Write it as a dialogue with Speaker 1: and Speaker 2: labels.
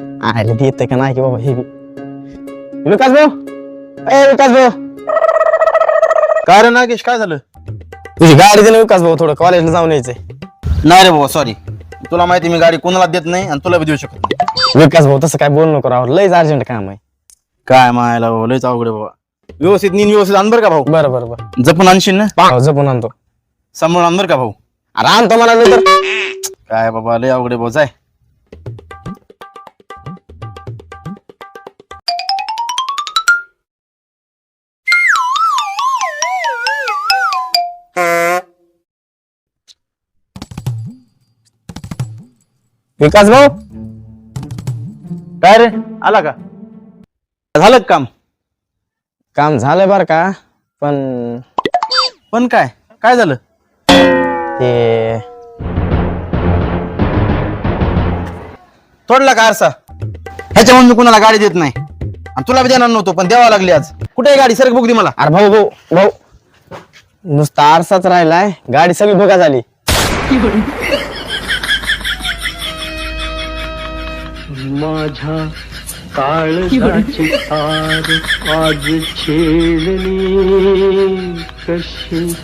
Speaker 1: आले ते येते का नाही की बाबा हे बी. विकास भाऊ, ए विकास भाऊ,
Speaker 2: काय रे नागेश, काय झालं?
Speaker 1: तुझी गाडी दे ना विकास भाऊ, थोडं कॉलेजला जाऊन यायचंय.
Speaker 2: नाही रे बाबा, सॉरी. तुला माहिती मी गाडी कोणाला देत नाही आणि तुला बी देऊ शकत नाही.
Speaker 1: विकास भाऊ तसं काय बोलू नको राव, लयच अर्जंट काम आहे.
Speaker 2: काय मायला बाबा, लयच अवघड आहे बाबा. व्यवस्थित नीन व्यवस्थित आण बरं का भाऊ.
Speaker 1: बरं बरं बरं,
Speaker 2: जपून आणशील ना?
Speaker 1: हो, जपून आणतो.
Speaker 2: सांभाळून आण बरं का भाऊ.
Speaker 1: अरे आणतो मला नंतर.
Speaker 2: काय बाबा, लय अवघड आहे भाऊ, जाय.
Speaker 1: विकास भाऊ,
Speaker 2: काय रे, आला का? झालं का काम?
Speaker 1: काम झालंय बरं का, पण
Speaker 2: पण काय काय झालं?
Speaker 1: ते
Speaker 2: तोडला का आरसा? ह्याच्यामुळे मी कुणाला गाडी देत नाही आणि तुला बी देणार नव्हतो, पण द्यावा लागली आज. कुठे आहे गाडी? सरक बुक दे मला.
Speaker 1: अरे भाऊ भाऊ भाऊ, नुसता आरसाच राहिलाय, गाडी सगळी बघा झाली.
Speaker 3: माझ्या काळजाची तार आज छेडली कशी